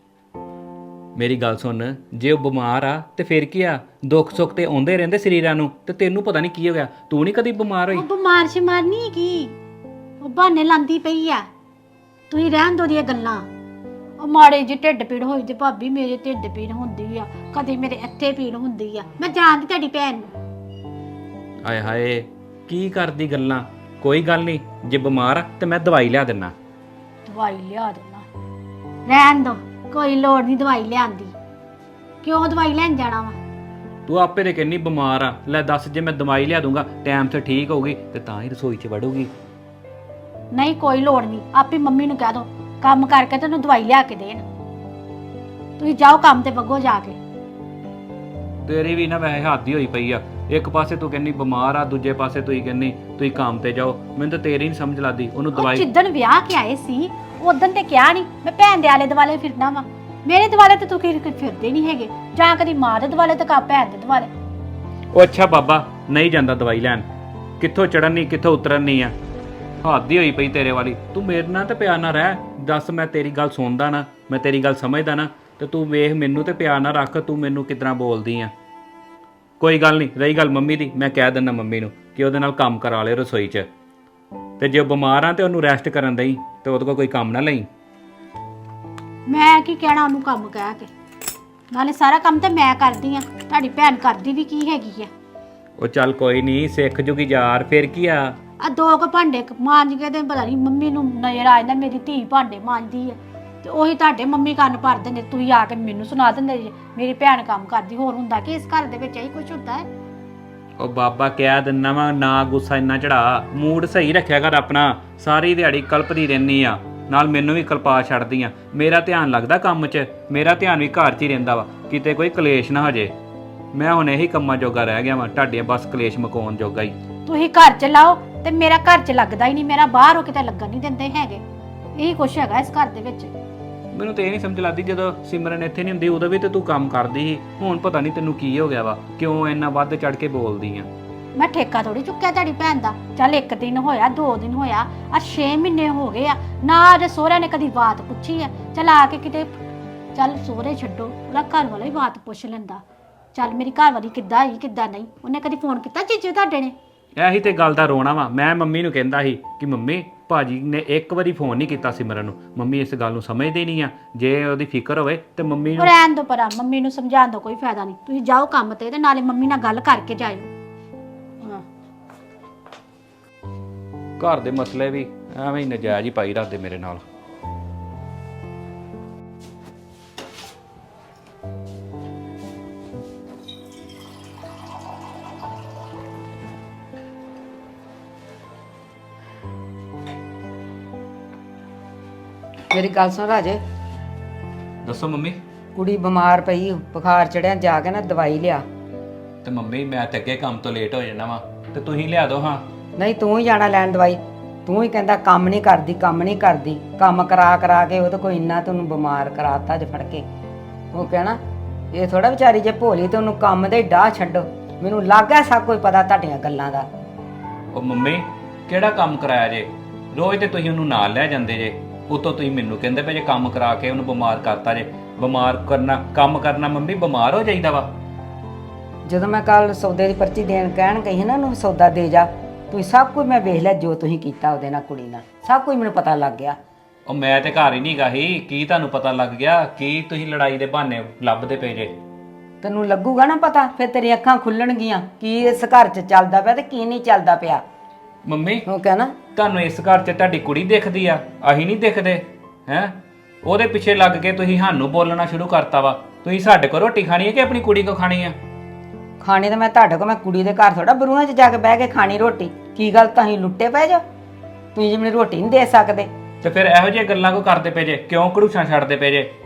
A: ਮੇਰੀ ਗੱਲ ਸੁਣ, ਜੇ ਉਹ ਬਿਮਾਰ ਆ ਤੇ ਫਿਰ ਕੀ ਆ? ਦੁੱਖ ਸੁੱਖ ਤੇ ਆਉਂਦੇ ਰਹਿੰਦੇ ਸਰੀਰਾਂ ਨੂੰ, ਤੇ ਤੈਨੂੰ ਪਤਾ ਨਹੀਂ ਕੀ ਹੋ ਗਿਆ। ਤੂੰ ਨਹੀਂ ਕਦੀ ਬਿਮਾਰ ਹੋਈ?
D: ਉਹ ਬਿਮਾਰ ਸ਼ਿਮਾਰ ਨਹੀਂ ਕੀ, ਉਹ ਬਹਾਨੇ ਲਾਂਦੀ ਪਈ ਆ। ਤੁਸੀਂ ਰਹਿਣ ਦੋ ਦੀਆਂ ਗੱਲਾਂ। ਉਹ ਮਾੜੇ ਜਿਹੇ ਢਿੱਡ ਪੀੜ ਹੋਈ ਤੇ ਭਾਬੀ ਮੇਰੇ ਢਿੱਡ ਪੀੜ ਹੁੰਦੀ ਆ, ਕਦੇ ਮੇਰੇ ਇੱਥੇ ਪੀੜ ਹੁੰਦੀ ਆ। ਮੈਂ ਜਾਣਦੀ ਤੁਹਾਡੀ ਭੈਣ ਨੂੰ।
A: ਆਏ ਹਾਏ ਕੀ ਕਰਦੀ ਗੱਲਾਂ। ਕੋਈ ਗੱਲ ਨਹੀਂ, ਜੇ ਬਿਮਾਰ ਆ ਤੇ ਮੈਂ ਦਵਾਈ ਲਿਆ ਦਿੰਨਾ।
D: ਦਵਾਈ ਲਿਆ ਦੇਣਾ, ਰਹਿਣ ਦੋ, ਕੋਈ ਲੋੜ ਨਹੀਂ ਦਵਾਈ ਲਿਆਉਣ ਦੀ। ਕਿਉਂ ਦਵਾਈ ਲੈਣ ਜਾਣਾ ਵਾ?
A: ਤੂੰ ਆਪੇ ਤੇ ਕਹਿੰਨੀ ਬਿਮਾਰ ਆ। ਲੈ ਦੱਸ, ਜੇ ਮੈਂ ਦਵਾਈ ਲਿਆ ਦੂੰਗਾ ਟਾਈਮ ਤੇ ਠੀਕ ਹੋਊਗੀ ਤੇ ਤਾਂ ਹੀ ਰਸੋਈ 'ਚ ਵੜੂਗੀ।
D: ਨਹੀਂ ਕੋਈ ਲੋੜ ਨਹੀਂ, ਆਪੇ ਮੰਮੀ ਨੂੰ ਕਹਿ ਦੋ ਕੰਮ ਕਰਕੇ ਤੈਨੂੰ ਦਵਾਈ ਲਿਆ ਕੇ ਦੇਣ। ਤੁਸੀਂ ਜਾਓ ਕੰਮ ਤੇ ਵਗੋ ਜਾ ਕੇ।
A: ਤੇਰੀ ਵੀ ਨਾ ਵੈਸੇ ਹੱਦ ਹੀ ਹੋਈ ਪਈ ਆ। ਇੱਕ ਪਾਸੇ ਤੂੰ ਕਹਿੰਨੀ ਬਿਮਾਰ ਆ, ਦੂਜੇ ਪਾਸੇ ਤੂੰ ਕਹਿੰਨੀ ਤੁਸੀਂ ਕੰਮ ਤੇ ਜਾਓ। ਮੈਨੂੰ ਤਾਂ ਤੇਰੀ ਨਹੀਂ ਸਮਝ ਲੱਗਦੀ। ਉਹਨੂੰ
D: ਉਹ
A: ਦਵਾਈ
D: ਜਿੱਦਣ ਵਿਆਹ ਕੇ ਆਏ ਸੀ ਉਦੋਂ ਤੇ ਕਿਹਾ ਨਹੀਂ ਮੈਂ ਭੈਣ ਦੇ ਆਲੇ ਦੁਆਲੇ ਫਿਰਨਾ ਵਾ। ਮੇਰੇ ਦੁਆਲੇ ਤੇ ਤੂੰ ਫਿਰਦੇ ਨਹੀਂ ਹੈਗੇ, ਜਾਂ ਕਦੀ ਮਾਂ ਦੇ ਦੁਆਲੇ ਤੇ ਕਾ ਭੈਣ ਦੇ ਦੁਆਲੇ।
A: ਉਹ ਅੱਛਾ ਬਾਬਾ ਨਹੀਂ ਜਾਂਦਾ ਦਵਾਈ ਲੈਣ। ਕਿੱਥੋਂ ਚੜਨ ਨਹੀਂ ਕਿੱਥੋਂ ਉਤਰਨ ਨਹੀਂ ਆ। ਹੱਦ ਹੀ ਹੋਈ ਪਈ ਤੇਰੇ ਵਾਲੀ। ਤੂੰ ਮੇਰੇ ਨਾਲ ਤੇ ਪਿਆਰ ਨਾਲ ਰਹਿ। ਦੱਸ, ਮੈਂ ਤੇਰੀ ਗੱਲ ਸੁਣਦਾ ਨਾ, ਮੈਂ ਤੇਰੀ ਗੱਲ ਸਮਝਦਾ ਨਾ, ਤੇ ਤੂੰ ਵੇਖ ਮੈਨੂੰ ਤੇ ਪਿਆਰ ਨਾਲ ਰੱਖ। ਤੂੰ ਮੈਨੂੰ ਕਿਤਨਾ ਬੋਲਦੀ ਆ। ਕੋਈ ਗੱਲ ਨਹੀਂ, ਰਹੀ ਗੱਲ ਮੰਮੀ ਦੀ, ਮੈਂ ਕਹਿ ਦਿੰਦਾ ਮੰਮੀ ਨੂੰ ਕਿ ਉਹਦੇ ਨਾਲ ਕੰਮ ਕਰਾ ਲਿਓ ਰਸੋਈ 'ਚ। ਤੇ ਜੇ ਉਹ ਬਿਮਾਰ ਆ ਤੇ ਉਹਨੂੰ ਰੈਸਟ ਕਰਨ ਦੇਈ, ਤੇ ਉਹਦੇ ਕੋਲ ਕੋਈ ਕੰਮ ਨਾ ਲਈ।
D: ਮੈਂ ਕੀ ਕਹਿਣਾ ਉਹਨੂੰ ਕੰਮ ਕਹਿ ਕੇ, ਨਾਲੇ ਸਾਰਾ ਕੰਮ ਤੇ ਮੈਂ ਕਰਦੀ ਆ, ਤੁਹਾਡੀ ਭੈਣ ਕਰਦੀ ਵੀ ਕੀ ਹੈਗੀ ਆ।
A: ਉਹ ਚੱਲ ਕੋਈ ਨਹੀਂ, ਸਿੱਖ ਜੂਗੀ ਯਾਰ, ਫਿਰ ਕੀ ਆ।
D: ਆ ਦੋ ਕੁ ਭਾਂਡੇ ਮਾਂਜ ਕੇ ਤੇ ਪਤਾ ਨਹੀਂ ਮੰਮੀ ਨੂੰ ਨਜ਼ਰ ਆ ਜਾਂਦਾ ਮੇਰੀ ਧੀ ਭਾਂਡੇ ਮਾਂਜਦੀ ਆ, ਤੇ ਉਹੀ ਤੁਹਾਡੇ ਮੰਮੀ ਕੰਨ ਭਰ ਦਿੰਦੇ। ਤੁਸੀਂ ਆ ਕੇ ਮੈਨੂੰ ਸੁਣਾ ਦਿੰਦੇ ਜੀ ਮੇਰੀ ਭੈਣ ਕੰਮ ਕਰਦੀ। ਹੋਰ ਹੁੰਦਾ ਕਿ ਇਸ ਘਰ ਦੇ ਵਿੱਚ ਇਹੀ ਕੁਝ ਹੁੰਦਾ ਹੈ?
A: ਉਹ ਬਾਬਾ ਕਹਿ ਦਿੰਦਾ ਵਾ, ਨਾ ਗੁੱਸਾ ਇੰਨਾ ਚੜਾ, ਮੂਡ ਸਹੀ ਰੱਖਿਆ ਕਰ ਆਪਣਾ। ਸਾਰੀ ਦਿਹਾੜੀ ਕਲਪਦੀ ਰਹਿੰਦੀ ਆ, ਨਾਲ ਮੈਨੂੰ ਵੀ ਕਲਪਾ ਛੱਡਦੀ ਆ। ਮੇਰਾ ਧਿਆਨ ਲੱਗਦਾ ਕੰਮ 'ਚ, ਮੇਰਾ ਧਿਆਨ ਵੀ ਘਰ 'ਚ ਹੀ ਰਹਿੰਦਾ ਵਾ, ਕਿਤੇ ਕੋਈ ਕਲੇਸ਼ ਨਾ ਹੋ ਜੇ। ਮੈਂ ਹੁਣ ਇਹੀ ਕੰਮਾਂ ਜੋਗਾ ਰਹਿ ਗਿਆ ਵਾ, ਤੁਹਾਡੇ ਬਸ ਕਲੇਸ਼ ਮਕਾਉਣ ਜੋਗਾ ਹੀ।
D: ਤੁਸੀਂ ਘਰ ਚ ਲਾਓ ਤੇ ਮੇਰਾ ਘਰ ਚ ਲੱਗਦਾ ਹੀ ਨਹੀਂ, ਮੇਰਾ ਬਾਹਰ ਹੋ ਕਿਤੇ ਲੱਗਣ ਨਹੀਂ ਦਿੰਦੇ ਹੈਗੇ। ਇਹੀ ਕੁਛ ਹੈਗਾ ਇਸ ਘਰ ਦੇ ਵਿੱਚ।
A: ਮੈਨੂੰ ਤੇ ਇਹ ਨਹੀਂ ਸਮਝ ਲੱਗਦੀ, ਜਦੋਂ ਸਿਮਰਨ ਇੱਥੇ ਨਹੀਂ ਹੁੰਦੀ ਉਦੋਂ ਵੀ ਤੇ ਤੂੰ ਕੰਮ ਕਰਦੀ ਸੀ। ਹੁਣ ਪਤਾ ਨਹੀਂ ਤੈਨੂੰ ਕੀ ਹੋ ਗਿਆ ਵਾ, ਕਿਉਂ ਇੰਨਾ ਵੱਧ ਚੜ ਕੇ ਬੋਲਦੀ ਆ।
D: ਮੈਂ ਠੇਕਾ ਥੋੜੀ ਚੁੱਕਿਆ ਤੁਹਾਡੀ ਭੈਣ ਦਾ। ਚੱਲ ਇੱਕ ਦਿਨ ਹੋਇਆ, 2 ਦਿਨ ਹੋਇਆ, ਆ 6 ਮਹੀਨੇ ਹੋ ਗਏ ਆ ਨਾ। ਜੇ ਸਹੁਰਿਆਂ ਨੇ ਕਦੀ ਬਾਤ ਪੁੱਛੀ ਆ, ਚੱਲ ਆ ਕੇ ਕਿਤੇ, ਚੱਲ ਸਹੁਰੇ ਛੱਡੋ, ਉਹਦਾ ਘਰ ਵਾਲਾ ਹੀ ਬਾਤ ਪੁੱਛ ਲੈਂਦਾ। ਚੱਲ ਮੇਰੀ ਘਰ ਵਾਲੀ ਕਿੱਦਾਂ ਹੀ ਕਿੱਦਾਂ ਨਹੀਂ, ਉਹਨੇ ਕਦੀ ਫੋਨ ਕੀਤਾ ਜੀਜੂ ਤੁਹਾਡੇ ਨੇ?
A: ਇਹੀ ਤੇ ਗੱਲ ਦਾ ਰੋਣਾ ਵਾ। ਮੈਂ ਮੰਮੀ ਨੂੰ ਕਹਿੰਦਾ ਸੀ ਕਿ ਮੰਮੀ ਭਾਜੀ ਨੇ ਇੱਕ ਵਾਰੀ ਫੋਨ ਨਹੀਂ ਕੀਤਾ ਸਿਮਰਨ ਨੂੰ। ਮੰਮੀ ਇਸ ਗੱਲ ਨੂੰ ਸਮਝਦੇ ਨਹੀਂ ਆ। ਜੇ ਉਹਦੀ ਫਿਕਰ ਹੋਵੇ ਤੇ ਮੰਮੀ ਨੂੰ
D: ਰਹਿਣ ਦੋ ਪਰਾਂ, ਮੰਮੀ ਨੂੰ ਸਮਝਾਉਣ ਦਾ ਕੋਈ ਫਾਇਦਾ ਨਹੀਂ। ਤੁਸੀਂ ਜਾਓ ਕੰਮ ਤੇ ਨਾਲੇ ਮੰਮੀ ਨਾਲ ਗੱਲ ਕਰਕੇ ਜਾਇਓ। ਹਾਂ,
A: ਘਰ ਦੇ ਮਸਲੇ ਵੀ ਐਵੇਂ ਹੀ ਨਜਾਇਜ਼ ਹੀ ਪਾਈ ਰੱਖਦੇ ਮੇਰੇ ਨਾਲ।
B: ਮੇਰੀ ਗੱਲ ਸੁਣ ਰਾਜੇ,
A: ਦੱਸੋ ਮੰਮੀ।
B: ਕੁੜੀ ਬਿਮਾਰ ਪਈ, ਬੁਖਾਰ ਚੜਿਆ, ਜਾ ਕੇ ਨਾ ਦਵਾਈ ਲਿਆ।
A: ਤੇ ਮੰਮੀ ਮੈਂ ਤੇ ਅੱਗੇ ਕੰਮ ਤੋਂ ਲੇਟ ਹੋ ਜਾਣਾ ਵਾ, ਤੇ ਤੁਸੀਂ ਲਿਆ ਦਿਓ। ਹਾਂ
B: ਨਹੀਂ, ਤੂੰ ਹੀ ਜਾਣਾ ਲੈਣ ਦਵਾਈ। ਤੂੰ ਹੀ ਕਹਿੰਦਾ ਕੰਮ ਨਹੀਂ ਕਰਦੀ, ਕੰਮ ਨਹੀਂ ਕਰਦੀ। ਕੰਮ ਕਰਾ ਕੇ ਉਹ ਤਾਂ ਕੋਈ ਇੰਨਾ ਤੈਨੂੰ ਬਿਮਾਰ ਕਰਾਤਾ ਅੱਜ ਫੜ ਕੇ। ਉਹ ਕਹਿਣਾ ਇਹ ਥੋੜਾ ਵਿਚਾਰੀ ਜੇ ਭੋਲੀ ਤੇ ਉਹਨੂੰ ਕੰਮ ਦੇ ਡਾਹ ਛੱਡੋ। ਮੈਨੂੰ ਲੱਗਾ ਸਭ ਕੁਝ ਪਤਾ ਤੁਹਾਡੀਆਂ ਗੱਲਾਂ ਦਾ।
A: ਉਹ ਮੰਮੀ ਕਿਹੜਾ ਕੰਮ ਕਰਾਇਆ ਜੇ? ਰੋਜ਼ ਤੇ ਤੁਸੀਂ ਉਹਨੂੰ ਨਾਲ ਲੈ ਜਾਂਦੇ ਜੇ, ਉਤੋਂ ਤੁਸੀਂ ਮੈਨੂੰ ਕਹਿੰਦੇ ਪਏ ਜੇ ਕੰਮ ਕਰਾ ਕੇ ਉਹਨੂੰ ਬਿਮਾਰ ਕਰਤਾ ਜੇ। ਬਿਮਾਰ ਕਰਨਾ, ਕੰਮ ਕਰਨਾ ਮੰਮੀ ਬਿਮਾਰ ਹੋ ਜਾਈਦਾ ਵਾ।
B: ਜਦੋਂ ਮੈਂ ਕੱਲ ਸੌਦੇ ਦੀ ਪਰਚੀ ਦੇਣ ਕਹਿਣ ਗਈ ਨਾ, ਉਹਨੂੰ ਸੌਦਾ ਦੇ ਜਾ। ਤੁਸੀਂ ਸਭ ਕੁਝ ਮੈਂ ਵੇਖ ਲਿਆ, ਜੋ ਤੁਸੀਂ ਕੀਤਾ ਉਹਦੇ ਨਾਲ, ਕੁੜੀ ਨਾਲ, ਸਭ ਕੁਝ ਮੈਨੂੰ ਪਤਾ ਲੱਗ ਗਿਆ।
A: ਉਹ ਮੈਂ ਤੇ ਘਰ ਹੀ ਨਹੀਂ ਗਾ ਸੀ। ਕੀ ਤੁਹਾਨੂੰ ਪਤਾ ਲੱਗ ਗਿਆ? ਕੀ ਤੁਸੀਂ ਲੜਾਈ ਦੇ ਬਹਾਨੇ ਲੱਭਦੇ ਪਏ ਜੇ?
B: ਤੈਨੂੰ ਲੱਗੂਗਾ ਨਾ ਪਤਾ, ਫਿਰ ਤੇਰੀਆਂ ਅੱਖਾਂ ਖੁੱਲਣਗੀਆਂ ਕੀ ਇਸ ਘਰ 'ਚ ਚੱਲਦਾ ਪਿਆ ਤੇ ਕੀ ਨਹੀਂ ਚੱਲਦਾ ਪਿਆ।
A: ਮੰਮੀ
B: ਉਹ ਕਹਿਣਾ
A: ਤੁਹਾਨੂੰ ਇਸ ਘਰ 'ਚ ਤੁਹਾਡੀ ਕੁੜੀ ਦਿਖਦੀ ਆ, ਅਸੀਂ ਨਹੀਂ ਦਿਖਦੇ ਹੈ? ਉਹਦੇ ਪਿੱਛੇ ਲੱਗ ਕੇ ਤੁਸੀਂ ਸਾਨੂੰ ਬੋਲਣਾ ਸ਼ੁਰੂ ਕਰਤਾ ਵਾ। ਤੁਸੀਂ ਸਾਡੇ ਕੋਲ ਰੋਟੀ ਖਾਣੀ ਹੈ ਕਿ ਆਪਣੀ ਕੁੜੀ ਕੋਲ ਖਾਣੀ ਆ?
B: ਖਾਣੀ ਤਾਂ ਮੈਂ ਤੁਹਾਡੇ ਕੋਲ, ਮੈਂ ਕੁੜੀ ਦੇ ਘਰ ਥੋੜਾ ਬਰੂਹਾਂ 'ਚ ਜਾ ਕੇ ਬਹਿ ਕੇ ਖਾਣੀ ਰੋਟੀ। ਕੀ ਗੱਲ, ਤੁਸੀਂ ਲੁੱਟੇ ਪਏ ਜੋ? ਤੁਸੀਂ ਜੀ ਮੈਨੂੰ ਰੋਟੀ ਨਹੀਂ ਦੇ ਸਕਦੇ?
A: ਤੇ ਫਿਰ ਇਹੋ ਜਿਹੀਆਂ ਗੱਲਾਂ ਕੋ ਕਰਦੇ ਪਏ ਜੇ? ਕਿਉਂ ਘੜੂਸਾਂ ਛੱਡਦੇ ਪਏ ਜੇ?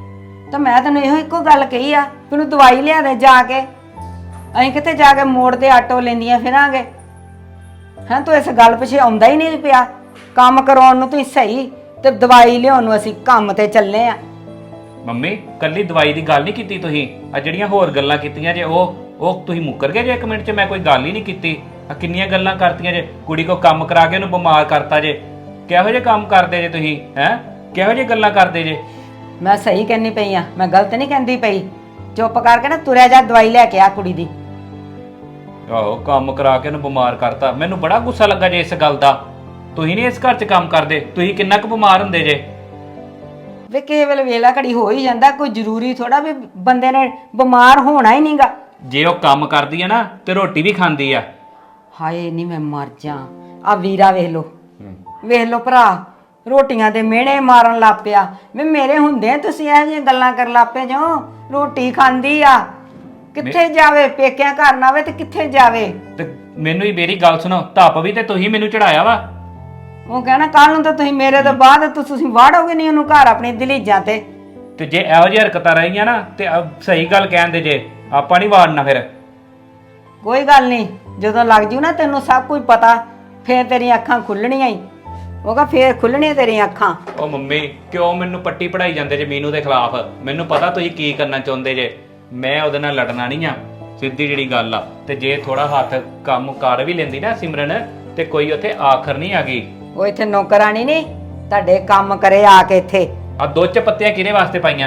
B: ਤਾਂ ਮੈਂ ਤੈਨੂੰ ਇਹੋ ਇੱਕੋ ਗੱਲ ਕਹੀ ਆ ਕਿ ਉਹਨੂੰ ਦਵਾਈ ਲਿਆ ਦੇ ਜਾ ਕੇ। ਅਸੀਂ ਕਿੱਥੇ ਜਾ ਕੇ ਮੋੜ ਤੇ ਆਟੋ ਲੈਂਦੀਆਂ ਫਿਰਾਂਗੇ। ਹੈਂ ਤੂੰ ਇਸ ਗੱਲ ਪਿੱਛੇ ਆਉਂਦਾ ਹੀ ਨਹੀਂ ਪਿਆ। ਕੰਮ ਕਰਾਉਣ ਨੂੰ ਤੁਸੀਂ ਸਹੀ ਤੇ ਦਵਾਈ ਲਿਆਉਣ ਨੂੰ ਅਸੀਂ ਕੰਮ ਤੇ ਚੱਲੇ ਆ।
A: ਮੰਮੀ ਕੱਲੀ ਦਵਾਈ ਦੀ ਗੱਲ ਨਹੀਂ ਕੀਤੀ ਤੁਸੀਂ, ਆ ਜਿਹੜੀਆਂ ਹੋਰ ਗੱਲਾਂ ਕੀਤੀਆਂ ਜੇ ਉਹ ਤੁਸੀਂ ਮੁੱਕਰ ਗਏ ਜੇ 1 ਮਿੰਟ 'ਚ। ਮੈਂ ਕੋਈ ਗੱਲ ਹੀ ਨਹੀਂ ਕੀਤੀ। ਆ ਕਿੰਨੀਆਂ ਗੱਲਾਂ ਕਰਤੀਆਂ ਜੇ, ਕੁੜੀ ਕੋ ਕੰਮ ਕਰਾ ਕੇ ਉਹਨੂੰ ਬਿਮਾਰ ਕਰਤਾ ਜੇ। ਕਿਹੋ ਜਿਹੇ ਕੰਮ ਕਰਦੇ ਜੇ ਤੁਸੀਂ? ਹੈ ਕਿਹੋ ਜਿਹੇ ਗੱਲਾਂ ਕਰਦੇ ਜੇ?
B: ਮੈਂ ਸਹੀ ਕਹਿੰਦੀ ਪਈ ਆ, ਮੈਂ ਗਲਤ ਨਹੀਂ ਕਹਿੰਦੀ ਪਈ। ਚੁੱਪ ਕਰਕੇ ਨਾ ਤੁਰਿਆ ਜਾ, ਦਵਾਈ ਲੈ ਕੇ ਆ ਕੁੜੀ ਦੀ।
A: ਆਹੋ ਕੰਮ ਕਰਾ ਕੇ ਉਹਨੂੰ ਬਿਮਾਰ ਕਰਤਾ। ਮੈਨੂੰ ਬੜਾ ਗੁੱਸਾ ਲੱਗਾ ਜੇ ਇਸ ਗੱਲ ਦਾ। ਤੁਸੀਂ ਨਹੀਂ ਇਸ ਘਰ 'ਚ ਕੰਮ ਕਰਦੇ, ਤੁਸੀਂ ਕਿੰਨਾ ਕੁ ਬਿਮਾਰ ਹੁੰਦੇ ਜੇ।
B: ਵੇ ਕਿਸੇ ਵੇਲੇ ਵੇਲਾ ਘੜੀ ਹੋ ਹੀ ਜਾਂਦਾ, ਕੋਈ ਜ਼ਰੂਰੀ ਥੋੜਾ ਵੀ ਬੰਦੇ ਨੇ ਬਿਮਾਰ ਹੋਣਾ ਹੀ ਨਹੀਂਗਾ।
A: ਜੇ ਉਹ ਕੰਮ ਕਰਦੀ ਆ ਨਾ ਤੇ ਰੋਟੀ ਵੀ ਖਾਂਦੀ ਆ।
B: ਹਾਏ ਨਹੀਂ ਮੈਂ ਮਰ ਜਾ। ਆ ਵੀਰਾ ਵੇਖ ਲੋ ਭਰਾ, ਰੋਟੀਆਂ ਦੇ ਮਿਹਣੇ ਮਾਰਨ ਲੱਗ ਪਿਆ। ਵੀ ਮੇਰੇ ਹੁੰਦੇ ਤੁਸੀਂ ਇਹੋ ਜਿਹੀਆਂ ਗੱਲਾਂ ਕਰਨ ਲੱਗ ਪਏ ਜੋ। ਰੋਟੀ ਖਾਂਦੀ ਆ, ਕਿੱਥੇ ਜਾਵੇ? ਪੇਕਿਆਂ ਘਰ ਨਾ ਆਵੇ ਤੇ ਕਿੱਥੇ ਜਾਵੇ?
A: ਤੇ ਮੈਨੂੰ ਹੀ ਮੇਰੀ ਗੱਲ ਸੁਣੋ, ਧੱਪ ਵੀ ਤੇ ਤੁਸੀਂ ਮੈਨੂੰ ਚੜਾਇਆ ਵਾ।
B: ਉਹ ਕਹਿਣਾ ਕੱਲ ਨੂੰ ਤਾਂ ਤੁਸੀਂ ਮੇਰੇ ਤੋਂ ਬਾਅਦ ਤੁਸੀਂ ਵਾੜੋਗੇ ਨਹੀਂ ਉਹਨੂੰ ਘਰ ਆਪਣੀ ਦਲੀਜਾਂ ਤੇ
A: ਜੇ ਇਹੋ ਜਿਹੀ ਹਰਕਤਾਂ ਰਹੀਆਂ ਨਾ ਤੇ ਸਹੀ ਗੱਲ ਕਹਿੰਦੇ ਜੇ, ਆਪਾਂ ਨਹੀਂ ਵਾੜਨਾ ਫਿਰ।
B: ਕੋਈ ਗੱਲ ਨਹੀਂ, ਜਦੋਂ ਲੱਗ ਜੂ ਨਾ ਤੈਨੂੰ ਸਭ ਕੁਝ ਪਤਾ, ਫੇਰ ਤੇਰੀਆਂ ਅੱਖਾਂ ਖੁੱਲਣੀਆਂ ਹੀ। ਉਹ ਕਹ ਫੇਰ ਖੁੱਲਣੀਆਂ ਤੇਰੀਆਂ ਅੱਖਾਂ।
A: ਉਹ ਮੰਮੀ ਕਿਉਂ ਮੈਨੂੰ ਪੱਟੀ ਪੜਾਈ ਜਾਂਦੇ ਜੇ ਮੀਨੂ ਦੇ ਖਿਲਾਫ? ਮੈਨੂੰ ਪਤਾ ਤੁਸੀਂ ਕੀ ਕਰਨਾ ਚਾਹੁੰਦੇ ਜੇ। ਮੈਂ ਉਹਦੇ ਨਾਲ ਲੜਨਾ ਨਹੀਂ ਆ, ਸਿੱਧੀ ਜਿਹੜੀ ਗੱਲ ਆ। ਤੇ ਜੇ ਥੋੜਾ ਹੱਥ ਕੰਮ ਕਰ ਵੀ ਲੈਂਦੀ ਨਾ ਸਿਮਰਨ, ਤੇ ਕੋਈ ਉੱਥੇ ਆਖਰ ਨਹੀਂ ਆ ਗਈ।
B: ਉਹ ਇੱਥੇ ਨੌਕਰਾਨੀ ਨਹੀਂ, ਤੁਹਾਡੇ ਕੰਮ ਕਰੇ ਆ ਕੇ ਇੱਥੇ।
A: ਆ 2 ਪੱਤੀਆਂ ਕਿਹਦੇ ਵਾਸਤੇ ਪਾਈਆਂ?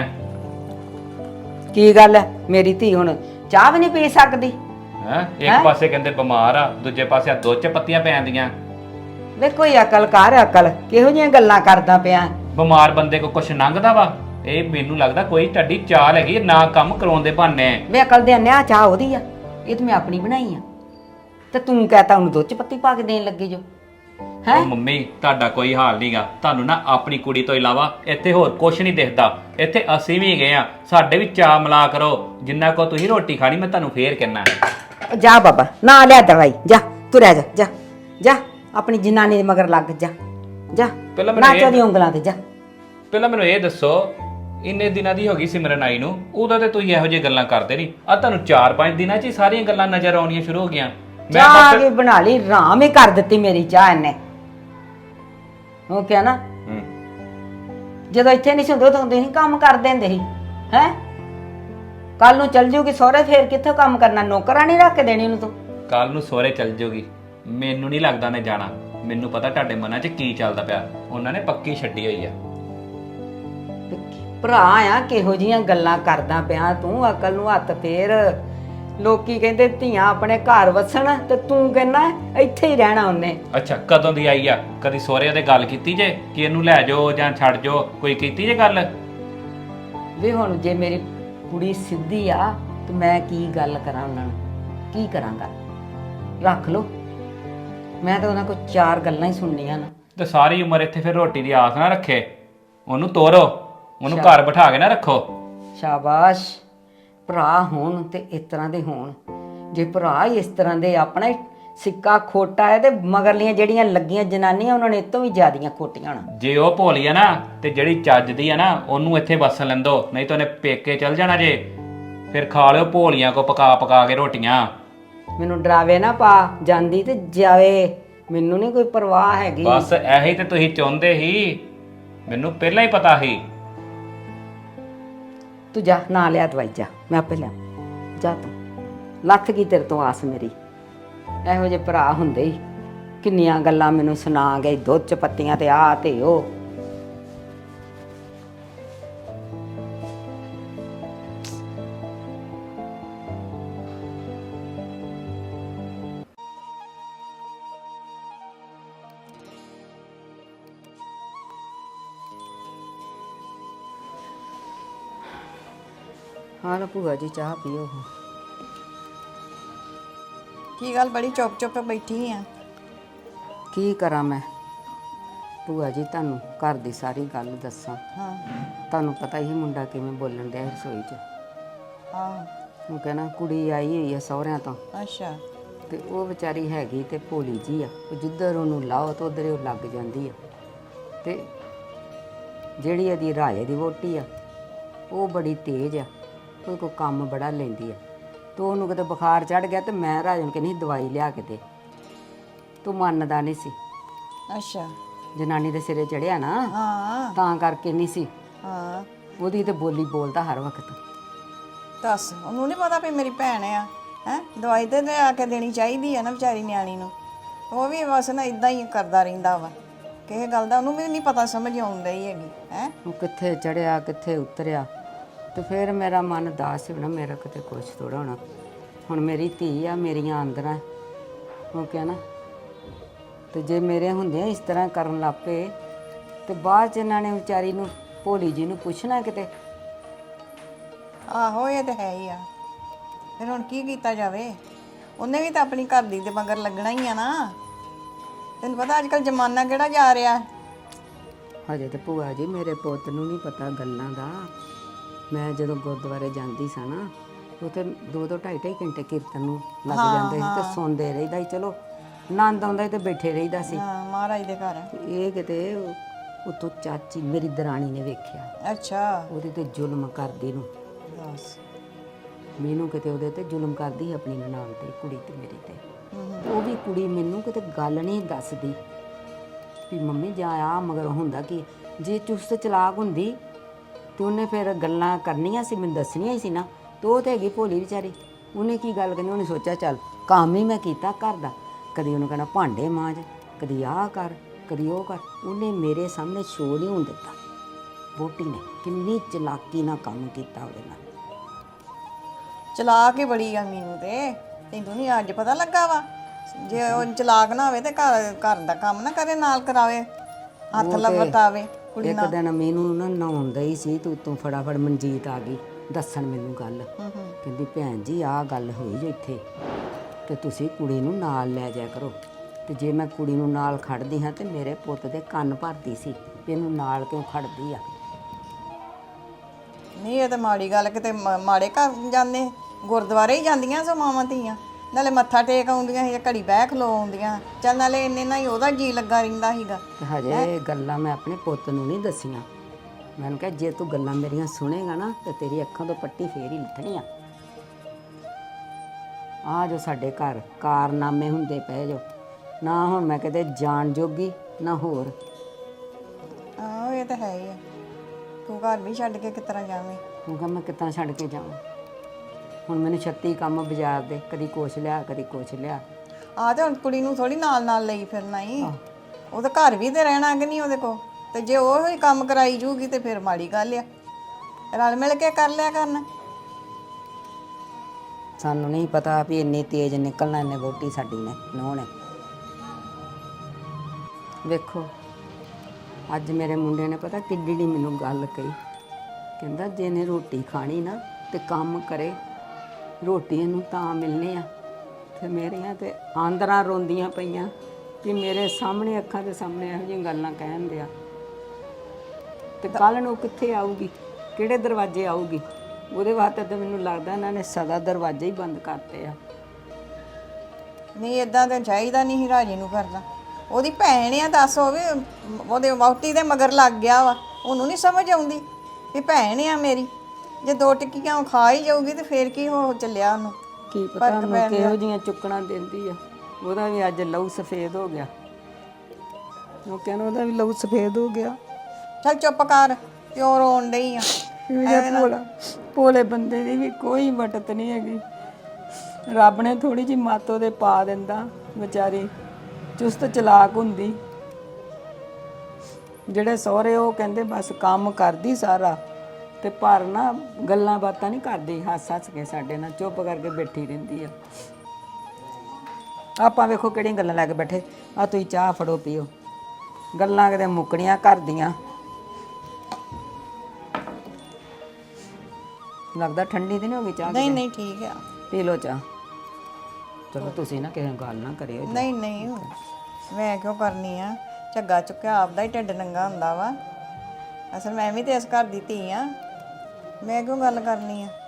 B: ਕੀ ਗੱਲ ਹੈ? ਮੇਰੀ ਧੀ ਹੁਣ ਚਾਹ ਵੀ ਨਹੀਂ ਪੀ ਸਕਦੀ?
A: ਇੱਕ ਪਾਸੇ ਕਹਿੰਦੇ ਬਿਮਾਰ ਆ, ਦੂਜੇ ਪਾਸੇ ਆ 2 ਪੱਤੀਆਂ ਪੈਂਦੀਆਂ।
B: ਵੇ ਕੋਈ ਅਕਲ ਕਰ, ਅਕਲ ਕਿਹੋ ਜਿਹੀਆਂ ਗੱਲਾਂ ਕਰਦਾ ਪਿਆ?
A: ਬਿਮਾਰ ਬੰਦੇ ਕੋ ਕੁਛ ਲੰਘਦਾ ਵਾ? ਇਹ ਮੈਨੂੰ ਲੱਗਦਾ ਕੋਈ ਤੁਹਾਡੀ ਚਾਲ ਹੈਗੀ ਨਾ ਕੰਮ ਕਰਾਉਣ ਦੇ ਬਹਾਨੇ।
B: ਵੇ ਅਕਲ ਦੇ ਅੰਨਿਆ, ਚਾਹ ਉਹਦੀ ਆ, ਇਹ ਤਾਂ ਮੈਂ ਆਪਣੀ ਬਣਾਈ ਆ। ਤੇ ਤੂੰ ਕਹਤਾ ਉਹਨੂੰ 2 ਪੱਤੀ ਪਾ ਕੇ ਦੇਣ ਲੱਗੀ ਜੋ। ਹੈ
A: ਮੰਮੀ ਤੁਹਾਡਾ ਕੋਈ ਹਾਲ ਨਹੀਂਗਾ। ਤੁਹਾਨੂੰ ਨਾ ਆਪਣੀ ਕੁੜੀ ਤੋਂ ਇਲਾਵਾ ਇੱਥੇ ਹੋਰ ਕੁਝ ਨਹੀਂ ਦਿਖਦਾ। ਇੱਥੇ ਅਸੀਂ ਵੀ ਗਏ ਆ, ਸਾਡੇ ਵੀ ਚਾਹ ਮਿਲਾ ਕਰੋ। ਜਿੰਨਾ ਕੋ ਤੁਸੀਂ ਰੋਟੀ ਖਾਣੀ, ਮੈਂ ਤੁਹਾਨੂੰ ਫੇਰ ਕਹਿਣਾ।
B: ਜਾ ਬਾਬਾ, ਨਾ ਲਿਆ ਦਵਾਈ, ਜਾ ਤੁਰਿਆ ਜਾ, ਜਾ ਜਾ ਆਪਣੀ ਜਨਾਨੀ ਦੇ ਮਗਰ ਲੱਗ ਜਾ, ਜਾ ਨਾਚੋ ਦੀ ਉਂਗਲਾਂ ਤੇ ਜਾ।
A: ਪਹਿਲਾਂ ਮੈਨੂੰ ਇਹ ਦੱਸੋ, ਇੰਨੇ ਦਿਨਾਂ ਦੀ ਹੋ ਗਈ ਸਿਮਰਨ ਆਈ ਨੂੰ, ਉਦੋਂ ਤੇ ਤੁਸੀਂ ਇਹੋ ਜਿਹੀ ਗੱਲਾਂ ਕਰਦੇ ਨਹੀਂ। ਆ ਤੁਹਾਨੂੰ 4-5 ਦਿਨਾਂ 'ਚ ਹੀ ਸਾਰੀਆਂ ਗੱਲਾਂ ਨਜ਼ਰ ਆਉਣੀਆਂ ਸ਼ੁਰੂ ਹੋ ਗਈਆਂ।
B: ਚਾਹ ਕੀ ਬਣਾ ਲਈ, ਰਾਮ ਹੀ ਕਰ ਦਿੱਤੀ ਮੇਰੀ ਚਾਹ ਇਹਨੇ। ਉਹ ਕਿਹਾ ਨਾ ਜਦੋਂ ਇੱਥੇ ਨਹੀਂ ਸੀ ਹੁੰਦੇ ਉਦੋਂ ਤੁਸੀਂ ਕੰਮ ਕਰ ਦਿੰਦੇ ਸੀ। ਹੈ ਕੱਲ ਨੂੰ ਚੱਲ ਜੂਗੀ ਸਹੁਰੇ, ਫੇਰ ਕਿੱਥੋਂ ਕੰਮ ਕਰਨਾ? ਨੌਕਰਾਂ ਨਹੀਂ ਰੱਖ ਕੇ ਦੇਣੀ ਉਹਨੂੰ ਤੂੰ।
A: ਕੱਲ ਨੂੰ ਸਹੁਰੇ ਚੱਲ ਜਾਊਗੀ, ਮੈਨੂੰ ਨਹੀਂ ਲੱਗਦਾ ਨੇ ਜਾਣਾ। ਮੈਨੂੰ ਪਤਾ ਤੁਹਾਡੇ ਮਨਾਂ 'ਚ ਕੀ ਚੱਲਦਾ ਪਿਆ। ਉਹਨਾਂ ਨੇ ਪੱਕੀ ਛੱਡੀ ਹੋਈ ਆ।
B: ਭਰਾ ਆ, ਕਿਹੋ ਜੀਆਂ ਗੱਲਾਂ ਕਰਦਾ ਪਿਆ ਤੂੰ? ਅਕਲ ਨੂੰ ਹੱਥ ਫੇਰ। ਲੋਕੀ ਕਹਿੰਦੇ ਧੀਆਂ ਆਪਣੇ ਘਰ ਵਸਣ, ਤੇ ਤੂੰ ਕਹਿੰਦਾ ਇੱਥੇ ਹੀ ਰਹਿਣਾ ਉਹਨੇ।
A: ਅੱਛਾ ਕਦੋਂ ਦੀ ਆਈ ਆ? ਕਦੀ ਸਹੁਰੇ ਦੇ ਗੱਲ ਕੀਤੀ ਜੇ ਕਿ ਇਹਨੂੰ ਲੈ ਜਾਓ ਜਾਂ ਛੱਡ ਜਾਓ? ਕੋਈ ਕੀਤੀ ਜੇ ਗੱਲ?
B: ਵੀ ਹੁਣ ਜੇ ਮੇਰੀ ਕੁੜੀ ਸਿੱਧੀ ਆ ਤੇ ਮੈਂ ਕੀ ਗੱਲ ਕਰਾਂ ਉਹਨਾਂ ਨੂੰ? ਕੀ ਕਰਾਂਗਾ? ਰੱਖ ਲੋ, ਮੈਂ ਤਾਂ ਉਹਨਾਂ ਕੋਲ 4 ਗੱਲਾਂ ਹੀ ਸੁਣਨੀਆਂ ਨਾ।
A: ਤੇ ਸਾਰੀ ਉਮਰ ਇੱਥੇ ਫਿਰ ਰੋਟੀ ਦੀ ਆਸ ਨਾ ਰੱਖੇ। ਉਹਨੂੰ ਤੋਰੋ, ਉਹਨੂੰ ਘਰ ਬਿਠਾ ਕੇ ਨਾ ਰੱਖੋ।
B: ਸ਼ਾਬਾਸ਼। ਭਰਾ ਹੋਣ ਤੇ ਇਸ ਤਰ੍ਹਾਂ ਦੇ ਹੋਣ। ਜੇ ਭਰਾ ਹੀ ਇਸ ਤਰ੍ਹਾਂ ਦੇ, ਆਪਣਾ ਹੀ ਸਿੱਕਾ ਖੋਟਾ ਹੈ, ਤੇ ਮਗਰਲੀਆਂ ਜਿਹੜੀਆਂ ਲੱਗੀਆਂ ਜਨਾਨੀਆਂ ਉਹਨਾਂ ਨੇ ਇਹ ਤੋਂ ਵੀ ਜ਼ਿਆਦੀਆਂ ਖੋਟੀਆਂ ਹੋਣਾ।
A: ਜੇ ਉਹ ਭੋਲੀ ਆ ਨਾ, ਤੇ ਜਿਹੜੀ ਚੱਜਦੀ ਆ ਨਾ, ਉਹਨੂੰ ਇੱਥੇ ਵਸਣ ਲੈਂਦੋ। ਨਹੀਂ ਤਾਂ ਉਹਨੇ ਪੇਕੇ ਚੱਲ ਜਾਣਾ ਜੇ। ਫਿਰ ਖਾ ਲਿਓ ਭੋਲੀਆਂ ਕੋ ਪਕਾ ਪਕਾ ਕੇ ਰੋਟੀਆਂ।
B: ਮੈਨੂੰ ਡਰਾਵੇ ਨਾ ਪਾ, ਜਾਂਦੀ ਤੇ ਜਾਵੇ, ਮੈਨੂੰ ਨਹੀਂ ਕੋਈ ਪਰਵਾਹ ਹੈਗੀ।
A: ਬਸ ਇਹੀ ਤੇ ਤੁਸੀਂ ਚਾਹੁੰਦੇ ਸੀ, ਮੈਨੂੰ ਪਹਿਲਾਂ ਹੀ ਪਤਾ ਸੀ।
B: ਤੂੰ ਜਾ, ਨਾ ਲਿਆ ਦਵਾਈ, ਜਾ ਮੈਂ ਆਪੇ ਲਿਆ। ਜਾ ਤੂੰ, ਲੱਥ ਗਈ ਤੇਰੇ ਤੋਂ ਆਸ ਮੇਰੀ। ਇਹੋ ਜਿਹੇ ਭਰਾ ਹੁੰਦੇ ਹੀ ਕਿੰਨੀਆਂ ਗੱਲਾਂ ਮੈਨੂੰ ਸੁਣਾ ਗਏ, 2 ਪੱਤੀਆਂ ਤੇ ਆ ਤੇ ਉਹ। ਹਾਂ ਨਾ ਭੂਆ ਜੀ, ਚਾਹ ਪੀਓ।
E: ਕੀ ਗੱਲ ਬੜੀ ਚੁੱਪ ਬੈਠੀ ਆ?
B: ਕੀ ਕਰਾਂ ਮੈਂ ਭੂਆ ਜੀ, ਤੁਹਾਨੂੰ ਘਰ ਦੀ ਸਾਰੀ ਗੱਲ ਦੱਸਾਂ।
E: ਹਾਂ
B: ਤੁਹਾਨੂੰ ਪਤਾ ਹੀ ਮੁੰਡਾ ਕਿਵੇਂ ਬੋਲਣ ਡਿਆ ਰਸੋਈ 'ਚ।
E: ਹਾਂ
B: ਉਹ ਕਹਿੰਦਾ ਕੁੜੀ ਆਈ ਹੋਈ ਆ ਸਹੁਰਿਆਂ ਤੋਂ,
E: ਅੱਛਾ।
B: ਤੇ ਉਹ ਵਿਚਾਰੀ ਹੈਗੀ ਤੇ ਭੋਲੀ ਜੀ ਆ। ਉਹ ਜਿੱਧਰ ਉਹਨੂੰ ਲਾਓ ਤਾਂ ਉਧਰ ਉਹ ਲੱਗ ਜਾਂਦੀ ਆ। ਤੇ ਜਿਹੜੀ ਇਹਦੀ ਰਾਜੇ ਦੀ ਵਹੁਟੀ ਆ, ਉਹ ਬੜੀ ਤੇਜ਼ ਆ, ਉਹ ਕੋਈ ਕੰਮ ਬੜਾ ਲੈਂਦੀ ਆ। ਤੂੰ ਉਹਨੂੰ ਕਿਤੇ ਬੁਖਾਰ ਚੜ ਗਿਆ ਤੇ ਮੈਂ ਰਾਜਨ ਕਹਿੰਦੀ ਦਵਾਈ ਲਿਆ ਕੇ ਦੇ, ਤੂੰ ਮੰਨਦਾ ਨਹੀਂ ਸੀ।
E: ਅੱਛਾ।
B: ਜਨਾਨੀ ਦੇ ਸਿਰੇ ਚੜਿਆ ਨਾ,
E: ਹਾਂ
B: ਤਾਂ ਕਰਕੇ ਨਹੀਂ ਸੀ।
E: ਹਾਂ।
B: ਉਹਦੀ ਤੇ ਬੋਲੀ ਬੋਲਦਾ ਹਰ ਵਕਤ।
E: ਦੱਸ, ਉਹਨੂੰ ਨਹੀਂ ਪਤਾ ਵੀ ਮੇਰੀ ਭੈਣ ਆ। ਹੈ ਦਵਾਈ ਤੇ ਲਿਆ ਕੇ ਦੇਣੀ ਚਾਹੀਦੀ ਆ ਨਾ ਵਿਚਾਰੀ ਨਿਆਣੀ ਨੂੰ। ਉਹ ਵੀ ਬਸ ਨਾ ਇਦਾਂ ਹੀ ਕਰਦਾ ਰਹਿੰਦਾ ਵਾ, ਕਿਸੇ ਗੱਲ ਦਾ ਉਹਨੂੰ ਵੀ ਨਹੀਂ ਪਤਾ ਸਮਝ ਆਉਣ ਡਈ ਹੈਗੀ। ਹੈ
B: ਉਹ ਕਿੱਥੇ ਚੜਿਆ ਕਿੱਥੇ ਉਤਰਿਆ, ਤੇ ਫਿਰ ਮੇਰਾ ਮਨ ਦਾਸ ਹੋਣਾ, ਮੇਰਾ ਕਿਤੇ ਕੁਛ ਥੋੜਾ ਹੋਣਾ। ਹੁਣ ਮੇਰੀ ਧੀ ਆ, ਮੇਰੀਆਂ ਆਂਦਰਾਂ, ਉਹ ਕਿਹਾ ਨਾ, ਤੇ ਜੇ ਮੇਰੇ ਹੁੰਦਿਆਂ ਇਸ ਤਰ੍ਹਾਂ ਕਰਨ ਲੱਗ ਪਏ ਤੇ ਬਾਅਦ ਚ ਇਹਨਾਂ ਨੇ ਵਿਚਾਰੀ ਨੂੰ ਭੋਲੀ ਜੀ ਨੂੰ ਪੁੱਛਣਾ ਕਿਤੇ।
E: ਆਹੋ ਇਹ ਤਾਂ ਹੈ ਹੀ ਆ। ਫਿਰ ਹੁਣ ਕੀ ਕੀਤਾ ਜਾਵੇ, ਉਹਨੇ ਵੀ ਤਾਂ ਆਪਣੀ ਘਰ ਦੀ ਦੇ ਮਗਰ ਲੱਗਣਾ ਹੀ ਆ ਨਾ। ਤੈਨੂੰ ਪਤਾ ਅੱਜ ਕੱਲ ਜ਼ਮਾਨਾ ਕਿਹੜਾ ਜਾ ਰਿਹਾ।
B: ਹਜੇ ਤੇ ਭੂਆ ਜੀ ਮੇਰੇ ਪੁੱਤ ਨੂੰ ਨਹੀਂ ਪਤਾ ਗੱਲਾਂ ਦਾ। ਮੈਂ ਜਦੋਂ ਗੁਰਦੁਆਰੇ ਜਾਂਦੀ ਸਾਂ ਨਾ, ਉੱਥੇ 2-2 2.5 ਘੰਟੇ ਕੀਰਤਨ ਨੂੰ ਲੱਗ ਜਾਂਦੇ ਸੀ ਤੇ ਸੁਣਦੇ ਰਹੀਦਾ ਸੀ। ਚਲੋ ਆਨੰਦ ਆਉਂਦਾ ਸੀ ਤੇ ਬੈਠੇ ਰਹੀਦਾ ਸੀ।
E: ਹਾਂ ਮਹਾਰਾਜ ਦੇ ਘਰ।
B: ਇਹ ਕਿਤੇ ਉਤੋਂ ਚਾਚੀ ਮੇਰੀ ਦਰਾਣੀ ਨੇ ਵੇਖਿਆ,
E: ਅੱਛਾ।
B: ਉਹਦੇ ਤੇ ਜ਼ੁਲਮ ਕਰਦੀ ਨੂੰ।
E: ਬਸ।
B: ਮੈਨੂੰ ਕਿਤੇ ਉਹਦੇ ਤੇ ਜ਼ੁਲਮ ਕਰਦੀ ਸੀ, ਆਪਣੀ ਨਨਾਣ ਤੇ, ਕੁੜੀ ਤੇ ਮੇਰੀ ਤੇ। ਉਹ ਵੀ ਕੁੜੀ ਮੈਨੂੰ ਕਿਤੇ ਗੱਲ ਨਹੀਂ ਦੱਸਦੀ ਵੀ ਮੰਮੀ ਜਾਂ ਆ ਮਗਰ ਹੁੰਦਾ ਕਿ ਜੇ ਚੁਸਤ ਚਲਾਕ ਹੁੰਦੀ ਤੇ ਉਹਨੇ ਫਿਰ ਗੱਲਾਂ ਕਰਨੀਆਂ ਸੀ, ਮੈਨੂੰ ਦੱਸਣੀਆਂ ਹੀ ਸੀ ਨਾ। ਤੇ ਉਹ ਤੇ ਹੈਗੀ ਭੋਲੀ ਵਿਚਾਰੀ, ਉਹਨੇ ਕੀ ਗੱਲ ਕਰਨੀ। ਉਹਨੇ ਸੋਚਿਆ ਚੱਲ ਕੰਮ ਹੀ ਮੈਂ ਕੀਤਾ ਘਰ ਦਾ, ਕਦੀ ਉਹਨੂੰ ਕਹਿਣਾ ਭਾਂਡੇ ਮਾਂਜ, ਕਦੀ ਆਹ ਕਰ, ਕਦੀ ਉਹ ਕਰ। ਉਹਨੇ ਮੇਰੇ ਸਾਹਮਣੇ ਸ਼ੋਅ ਨਹੀਂ ਹੋਣ ਦਿੱਤਾ। ਵਹੁਟੀ ਨੇ ਕਿੰਨੀ ਚਲਾਕੀ ਨਾਲ ਕੰਮ ਕੀਤਾ ਉਹਦੇ ਨਾਲ।
E: ਚਲਾਕ ਹੀ ਬੜੀ ਆ ਮੀਨੂ ਤੇ, ਤੈਨੂੰ ਨਹੀਂ ਅੱਜ ਪਤਾ ਲੱਗਾ ਵਾ। ਜੇ ਉਹ ਚਲਾਕ ਨਾ ਹੋਵੇ ਤੇ ਘਰ ਦਾ ਕੰਮ ਨਾ ਕਰੇ, ਨਾਲ ਕਰਾਵੇ, ਹੱਥ ਵਰਤਾਵੇ ਕੁੜੀ
B: ਇੱਕ
E: ਨਾਲ।
B: ਦਿਨ ਮੈਨੂੰ ਨਾ ਨਹਾਉਣ ਦਈ ਸੀ ਤੇ ਉੱਤੋਂ ਫਟਾਫਟ ਮਨਜੀਤ ਆ ਗਈ ਦੱਸਣ ਮੈਨੂੰ ਗੱਲ। ਕਹਿੰਦੀ ਭੈਣ ਜੀ ਆਹ ਗੱਲ ਹੋਈ ਜੋ ਇੱਥੇ, ਤੇ ਤੁਸੀਂ ਕੁੜੀ ਨੂੰ ਨਾਲ ਲੈ ਜਾਇਆ ਕਰੋ। ਤੇ ਜੇ ਮੈਂ ਕੁੜੀ ਨੂੰ ਨਾਲ ਖੜਦੀ ਹਾਂ ਤੇ ਮੇਰੇ ਪੁੱਤ ਦੇ ਕੰਨ ਭਰਦੀ ਸੀ ਵੀ ਇਹਨੂੰ ਨਾਲ ਕਿਉਂ ਖੜਦੀ ਆ।
E: ਨਹੀਂ ਇਹ ਤਾਂ ਮਾੜੀ ਗੱਲ, ਕਿਤੇ ਮਾੜੇ ਘਰ ਜਾਂਦੇ, ਗੁਰਦੁਆਰੇ ਹੀ ਜਾਂਦੀਆਂ ਸੋ ਮਾਵਾਂ ਧੀਆਂ, ਨਾਲੇ ਮੱਥਾ ਟੇਕ ਆਉਂਦੀਆਂ ਸੀ, ਘੜੀ ਬਹਿ ਖਲੋ ਆਉਂਦੀਆਂ। ਚੱਲ ਨਾਲੇ ਇੰਨੇ ਨਾਲ ਹੀ ਉਹਦਾ ਜੀ ਲੱਗਾ ਰਹਿੰਦਾ ਸੀਗਾ।
B: ਤੇ ਹਜੇ ਇਹ ਗੱਲਾਂ ਮੈਂ ਆਪਣੇ ਪੁੱਤ ਨੂੰ ਨਹੀਂ ਦੱਸੀਆਂ। ਮੈਨੂੰ ਕਿਹਾ ਜੇ ਤੂੰ ਗੱਲਾਂ ਮੇਰੀਆਂ ਸੁਣੇਗਾ ਨਾ ਤੇ ਤੇਰੀ ਅੱਖਾਂ ਤੋਂ ਪੱਟੀ ਫੇਰ ਹੀ ਲੱਥਣੀ ਆ। ਆ ਜੋ ਸਾਡੇ ਘਰ ਕਾਰਨਾਮੇ ਹੁੰਦੇ ਪਏ ਜੋ, ਨਾ ਹੁਣ ਮੈਂ ਕਿਤੇ ਜਾਣ ਜੋਗੀ ਨਾ ਹੋਰ।
E: ਆਹੋ ਇਹ ਤਾਂ ਹੈ ਹੀ ਆ। ਤੂੰ ਘਰ ਵੀ ਛੱਡ ਕੇ ਕਿਸ ਤਰ੍ਹਾਂ ਜਾਵੇਂ।
B: ਉਹ ਕਹਿੰਦਾ ਮੈਂ ਕਿੱਦਾਂ ਛੱਡ ਕੇ ਜਾਵਾਂ। ਹੁਣ ਮੈਨੂੰ 36 ਕੰਮ ਬਾਜ਼ਾਰ ਦੇ, ਕਦੀ ਕੁਛ ਲਿਆ ਕਦੀ ਕੁਛ ਲਿਆ।
E: ਆ ਤੇ ਹੁਣ ਕੁੜੀ ਨੂੰ ਥੋੜੀ ਨਾਲ ਨਾਲ ਲਈ ਫਿਰਨਾ ਹੀ। ਉਹ ਤਾਂ ਘਰ ਵੀ ਤੇ ਰਹਿਣਾ ਕਿ ਨਹੀਂ ਉਹਦੇ ਕੋਲ। ਤੇ ਜੇ ਉਹ ਹੀ ਕੰਮ ਕਰਾਈ ਜੂਗੀ ਤੇ ਫਿਰ ਮਾੜੀ ਗੱਲ ਆ। ਰਲ ਮਿਲ ਕੇ ਕਰ ਲਿਆ ਕਰਨਾ।
B: ਸਾਨੂੰ ਨਹੀਂ ਪਤਾ ਵੀ ਇੰਨੀ ਤੇਜ਼ ਨਿਕਲਣਾ ਇਹਨੇ ਵਹੁਟੀ ਸਾਡੀ ਨੇ, ਨੂੰਹ ਨੇ। ਵੇਖੋ ਅੱਜ ਮੇਰੇ ਮੁੰਡੇ ਨੇ ਪਤਾ ਕਿੱਡੀ ਡੀ ਮੈਨੂੰ ਗੱਲ ਕਹੀ। ਕਹਿੰਦਾ ਜੇ ਇਹਨੇ ਰੋਟੀ ਖਾਣੀ ਨਾ ਤੇ ਕੰਮ ਕਰੇ, ਰੋਟੀ ਇਹਨੂੰ ਤਾਂ ਮਿਲਣੀ ਆ। ਤੇ ਮੇਰੀਆਂ ਤੇ ਆਂਦਰਾਂ ਰੋਂਦੀਆਂ ਪਈਆਂ ਕਿ ਮੇਰੇ ਸਾਹਮਣੇ, ਅੱਖਾਂ ਦੇ ਸਾਹਮਣੇ ਇਹੋ ਜਿਹੀਆਂ ਗੱਲਾਂ ਕਹਿਣ ਦਿਆ। ਤੇ ਕੱਲ ਨੂੰ ਕਿੱਥੇ ਆਊਗੀ, ਕਿਹੜੇ ਦਰਵਾਜ਼ੇ ਆਊਗੀ। ਉਹਦੇ ਵਾਸਤੇ ਤਾਂ ਮੈਨੂੰ ਲੱਗਦਾ ਇਹਨਾਂ ਨੇ ਸਦਾ ਦਰਵਾਜ਼ੇ ਹੀ ਬੰਦ ਕਰਤੇ ਆ।
E: ਨਹੀਂ ਇਦਾਂ ਤਾਂ ਚਾਹੀਦਾ ਨਹੀਂ ਸੀ ਰਾਜੇ ਨੂੰ ਕਰਨਾ। ਉਹਦੀ ਭੈਣ ਆ, ਦੱਸ ਹੋਵੇ ਉਹਦੇ ਵਹੁਟੀ ਦੇ ਮਗਰ ਲੱਗ ਗਿਆ ਵਾ। ਉਹਨੂੰ ਨਹੀਂ ਸਮਝ ਆਉਂਦੀ ਵੀ ਭੈਣ ਆ ਮੇਰੀ। ਜੇ 2 ਟਿੱਕੀਆਂ ਉਹ ਖਾ ਹੀ ਜਾਊਗੀ ਤੇ ਫੇਰ ਕੀ ਹੋ ਚੱਲਿਆ ਉਹਨੂੰ।
B: ਕੀ ਪਤਾ ਉਹਨੂੰ ਕਿਹੋ ਜੀਆਂ ਚੁੱਕਣਾ ਦਿੰਦੀ ਆ। ਉਹਦਾ ਵੀ ਅੱਜ ਲਹੂ ਸਫੇਦ ਹੋ ਗਿਆ। ਉਹ ਕਹਿੰਦਾ ਉਹਦਾ ਵੀ ਲਹੂ ਸਫੇਦ ਹੋ ਗਿਆ।
E: ਚੱਲ ਚੁੱਪ ਕਰ, ਕਿਉਂ ਰੋਣ ਡਈ ਆ।
B: ਭੋਲੇ ਬੰਦੇ ਦੀ ਵੀ ਕੋਈ ਮਟਤ ਨਹੀਂ ਹੈਗੀ। ਰੱਬ ਨੇ ਥੋੜੀ ਜਿਹੀ ਮੱਤ ਉਹਦੇ ਪਾ ਦਿੰਦਾ, ਵਿਚਾਰੀ ਚੁਸਤ ਚਲਾਕ ਹੁੰਦੀ। ਜਿਹੜੇ ਸਹੁਰੇ ਉਹ ਕਹਿੰਦੇ ਬਸ ਕੰਮ ਕਰਦੀ ਸਾਰਾ, ਤੇ ਪਰ ਨਾ ਗੱਲਾਂ ਬਾਤਾਂ ਨਹੀਂ ਕਰਦੀ, ਹੱਸ ਹੱਸ ਕੇ ਸਾਡੇ ਨਾਲ ਚੁੱਪ ਕਰਕੇ ਬੈਠੀ ਰਹਿੰਦੀ ਆ। ਆਪਾਂ ਵੇਖੋ ਕਿਹੜੀਆਂ ਗੱਲਾਂ ਲੈ ਕੇ ਬੈਠੇ ਆ। ਤੁਸੀਂ ਚਾਹ ਫੜੋ ਪੀਓ, ਗੱਲਾਂ ਕਿਤੇ ਮੁੱਕਣੀਆਂ ਘਰ ਦੀਆਂ। ਲੱਗਦਾ ਠੰਡੀ ਤੇ ਨਹੀਂ ਹੋ ਗਈ ਚਾਹ?
E: ਨਹੀਂ ਨਹੀਂ ਠੀਕ ਆ,
B: ਪੀ ਲਓ ਚਾਹ। ਚਲੋ ਤੁਸੀਂ ਨਾ ਕਿਸੇ ਨੂੰ ਗੱਲ ਨਾ ਕਰਿਓ।
E: ਨਹੀਂ ਨਹੀਂ ਮੈਂ ਕਿਉਂ ਕਰਨੀ ਆ। ਝੱਗਾ ਚੁੱਕਿਆ ਆਪਦਾ ਹੀ ਢਿੱਡ ਨੰਗਾ ਹੁੰਦਾ ਵਾ। ਅਸਲ ਮੈਂ ਵੀ ਤੇ ਇਸ ਘਰ ਦੀ ਧੀ ਆ, ਮੈਂ ਕਿਉਂ ਗੱਲ ਕਰਨੀ ਆ।